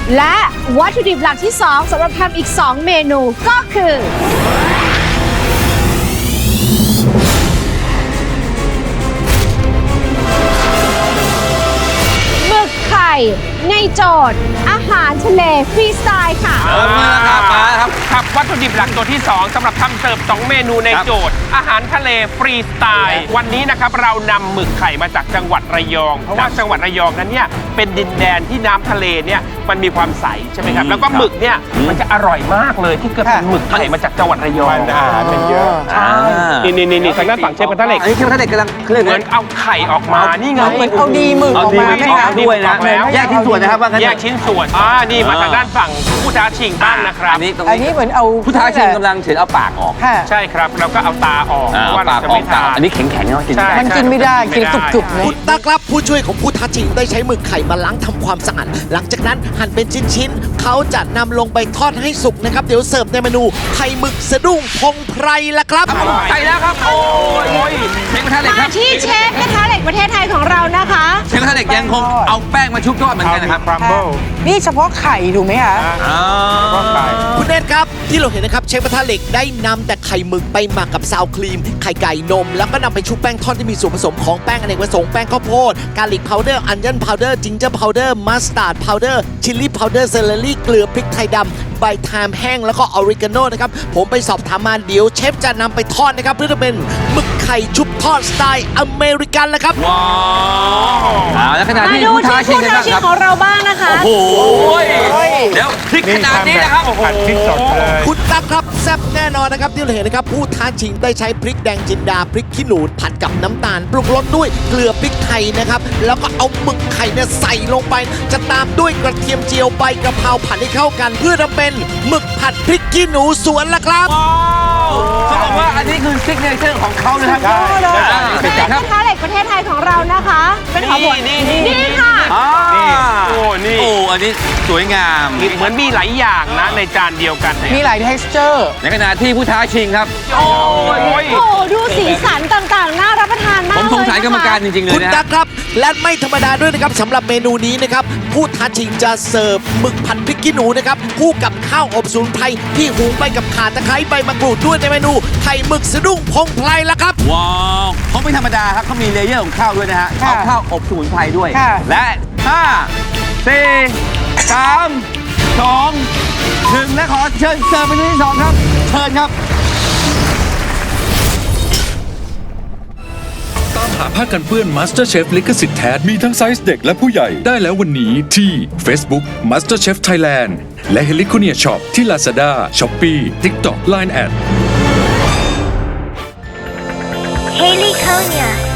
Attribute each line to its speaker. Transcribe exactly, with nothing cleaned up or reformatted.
Speaker 1: และวัตถุดิบหลักที่สองสำหรับทำอีกสองเมนูก็คือหมึกไข่ในโจทย์อาหารทะเลฟรีสไตล์ค่ะ
Speaker 2: เออมาครับมาครับ
Speaker 3: ครับวัตถุดิบหลักตัวที่สองสำหรับทำเสิร์ฟสองเมนูในโจทย์ อาหารทะเลฟรีสไตล์วันนี้นะครับเรานำหมึกไข่มาจากจังหวัดระยองเพราะว่าจังหวัดระยองนั้นเนี่ยเป็นดินแดนที่น้ำทะเลเนี่ยมันมีความใสใช่ไหมครับแล้วก็หมึกเนี่ยมันจะอร่อยมากเลยที่เกิดเป็นหมึกไข่มาจากจังหวัดระยอง
Speaker 4: มันอาหารมันเยอะ
Speaker 2: อ่า
Speaker 3: นี่นี่นี่ทางด้านฝั่งเชฟกระทะเหล็ก
Speaker 2: อันนี้เชฟกระทะเหล็กกำลังเคลื่อน
Speaker 3: เหมือนเอาไข่ออกมานี่ไง
Speaker 5: เหมือนเอาดีหมึกออกมาไหม
Speaker 3: เอา
Speaker 5: คะ
Speaker 3: ดี
Speaker 2: ด้วยนะ
Speaker 3: ออกแล้ว
Speaker 2: แยกชิ้นส่วนนะครับว่างั้น
Speaker 3: แยกชิ้นส่วนอ่านี่มาทางด้านฝั่งผู้ท้าชิงบ้างนะครับ
Speaker 2: อันนี้ตรง
Speaker 5: อันนี้
Speaker 2: นี้
Speaker 5: เหมือนเอา
Speaker 2: ผู้ท้าชิงกำลังเฉือนเอาปากออก
Speaker 5: ค่ะ
Speaker 3: ใช่ครับเราก็เอาตาออก
Speaker 2: อ่า
Speaker 3: เพราะ
Speaker 2: เอา
Speaker 3: ว่า
Speaker 2: ปา
Speaker 3: เรา
Speaker 2: ก
Speaker 3: จะ
Speaker 2: ออ
Speaker 3: ไม่
Speaker 2: ก
Speaker 3: ทาน
Speaker 2: อันนี้แข็งๆเนาะกิน
Speaker 3: ใช่
Speaker 2: ได้
Speaker 5: มันกินไม่ได้กินกรุบๆนะ
Speaker 6: คุณตั๊กครับผู้ช่วยของผู้ท้าชิงได้ใช้หมึกไข่มาล้างทำความสะอาดหลังจากนั้นหั่นเป็นชิ้นๆเขาจะนำลงไปทอดให้สุกนะครับเดี๋ยวเสิร์ฟในเมนูไข่หมึกสะดุ้งพงไพรละครับ
Speaker 2: ใส่แล้วครับโอ้ยเชฟกระทะเหล็กค
Speaker 1: มา
Speaker 2: รับ
Speaker 1: ที่เชฟกระทะเหล็กประเทศไทยของเรานะคะ
Speaker 2: เชฟกระทะเหล็กยังคงเอาแป้งมาชุบทอดเหมือนกันนะครับ
Speaker 4: ครัมเบิล
Speaker 5: นี่เฉพาะไข่ถูกไหมคะ
Speaker 2: อ๋อ
Speaker 4: ก็ไก่
Speaker 6: คุณเนตครับที่เราเห็นนะครับเชฟกระทะเหล็กได้นำแต่ไข่หมึกไปหมักกับซาวครีม ไข่ไก่นม แล้วก็นำไปชุบแป้งทอดที่มีส่วนผสมของแป้งอเนกประสงค์แป้งข้าวโพดกาลิกพาวเดอร์อันเจนพาวเดอร์จิงเจอร์พาวเดอร์มัสตาร์ดพาวเดอร์ชิลลี่พาวเดอร์เซเลอรี่เกลือพริกไทยดำใบไทม์แห้งแล้วก็ออริกาโนนะครับผมไปสอบถามมาเดี๋ยวเชฟจะนำไปทอดนะครับเพื่อจะเป็นหมึกไข่ชุบทอดสไตล์อเมริกันแล้วครับ
Speaker 2: ว้าวเอาแล้วขณะ
Speaker 1: มา
Speaker 2: ที่
Speaker 1: ดู
Speaker 2: ผู้ท้า
Speaker 1: ที่
Speaker 2: ชิง
Speaker 1: ผู้
Speaker 2: กัน
Speaker 1: ท้า
Speaker 2: บ้าง
Speaker 1: ชิ
Speaker 2: ค
Speaker 1: ง
Speaker 2: รับ
Speaker 1: ของเราบ้างนะคะ
Speaker 2: โอ้โหเดี๋ยวพริกขนาดนี้นะครับโอ้โห
Speaker 4: ผัดพริกสดเลย
Speaker 6: คุณตั๊กครับแซ่บแน่นอนนะครับที่เราเห็นนะครับผู้ท้าชิงได้ใช้พริกแดงจินดาพริกขี้หนูผัดกับน้ำตาลปรุงรสด้วยเกลือพริกไทยนะครับแล้วก็เอาหมึกไข่เนี่ยใส่ลงไป จะตามด้วยกระเทียมเจียวใบกระเพราผัดให้เข้ากัน เพื่อทำเป็นหมึกผัดพริกขี้หนูสวนละครับ
Speaker 2: เขาบอกว่าอันนี้คือซิกเนเจอร์ของเขานะครับ
Speaker 4: ใช่
Speaker 1: เชฟกระทะเหล็กประเทศไทยของเรานะคะ เป็นของหมวด
Speaker 3: นี่
Speaker 1: นี่ค่ะ
Speaker 2: อ่า
Speaker 3: โอ้นี่
Speaker 2: โอ้อันนี้สวยงาม
Speaker 3: เหมือนมีหลายอย่างนะในจานเดียวกันเนี่ย
Speaker 5: มีหลาย texture
Speaker 2: ในขณะที่ผู้ท้าชิงครับ
Speaker 3: โอ้ย
Speaker 1: โอ้โหดูสีสันต่างๆ น่ารับประทานมาก
Speaker 2: ผม
Speaker 1: เลย
Speaker 2: สงสัยกรรมการจริงๆเล
Speaker 6: คุ
Speaker 2: ย
Speaker 6: ณ
Speaker 2: นะ
Speaker 6: ตั๊กครับ และไม่ธรรมดาด้วยนะครับสำหรับเมนูนี้นะครับผู้ท้าชิงจะเสิร์ฟหมึกผัดพริกขี้หนูนะครับคู่กับข้าวอบสมุนไพรที่หุงไปกับข่าตะไคร้ใบมะกรูดด้วยในเมนูไข่หมึกสะดุ้งพงไพรละครับ
Speaker 2: ว้าวเขาไม่ธรรมดาครับเขามีเลเยอร์ของข้าวด้วยนะฮะ
Speaker 5: ค่ะ
Speaker 2: เอาข้าวอบสมุนไพรด้วย
Speaker 5: ค่ะ
Speaker 2: และห้า สี่ สาม สอง หนึ่งและขอเชิญเสิร์ฟเมนูที่สองครับ เชิญครับ
Speaker 7: ตามหาผ้ากันเปื้อน MasterChef ลิขสิทธิ์แท้มีทั้งไซส์เด็กและผู้ใหญ่ได้แล้ววันนี้ที่ Facebook MasterChef Thailand และ h e l i c o n i a Shop ที่ Lazada, Shopee, TikTok, ไลน์ แอด
Speaker 8: Haley Konya.